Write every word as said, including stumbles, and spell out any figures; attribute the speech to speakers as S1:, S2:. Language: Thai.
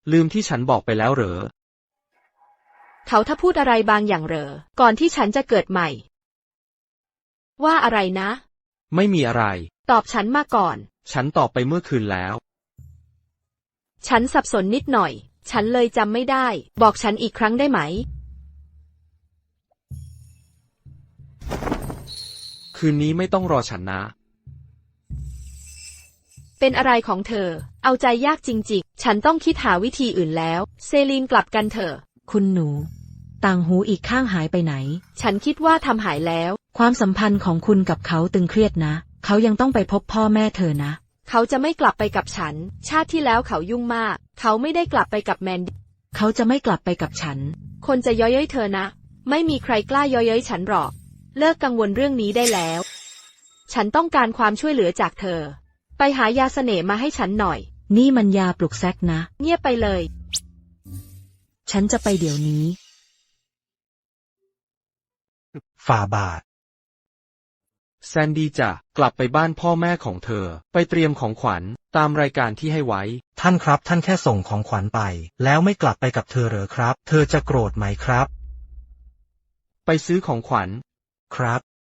S1: ลืมที่ฉันบอกไปแล้วเหรอ
S2: เขาถ้าพูดอะไรบางอย่างเหรอก่อนที่ฉันจะเกิดใหม่ว่าอะไรนะ
S1: ไม่มีอะไร
S2: ตอบฉันมาก่อน
S1: ฉันตอบไปเมื่อคืนแล้ว
S2: ฉันสับสนนิดหน่อยฉันเลยจำไม่ได้บอกฉันอีกครั้งได้ไหม
S1: คืนนี้ไม่ต้องรอฉันนะ
S2: เป็นอะไรของเธอเอาใจยากจริงๆฉันต้องคิดหาวิธีอื่นแล้วเซลีนกลับกันเถอะ
S3: คุณหนูต่างหูอีกข้างหายไปไหน
S2: ฉันคิดว่าทำหายแล้ว
S3: ความสัมพันธ์ของคุณกับเขาตึงเครียดนะเขายังต้องไปพบพ่อแม่เธอนะ
S2: เขาจะไม่กลับไปกับฉันชาติที่แล้วเขายุ่งมากเขาไม่ได้กลับไปกับแมนดี้
S3: เขาจะไม่กลับไปกับฉัน
S2: คนจะเย้ยเย้ยเธอนะไม่มีใครกล้าเย้ยเย้ยฉันหรอกเลิกกังวลเรื่องนี้ได้แล้วฉันต้องการความช่วยเหลือจากเธอไปหายาเสน่ห์มาให้ฉันหน่อย
S3: นี่มันยาปลุกแซกนะ
S2: เงียบไปเลย
S3: ฉันจะไปเดี๋ยวนี้
S4: ฝ่าบาท
S1: แซนดี้จะกลับไปบ้านพ่อแม่ของเธอไปเตรียมของขวัญตามรายการที่ให้ไว้
S4: ท่านครับท่านแค่ส่งของขวัญไปแล้วไม่กลับไปกับเธอเหรอครับเธอจะโกรธไหมครับ
S1: ไปซื้อของขวัญ
S4: ครับ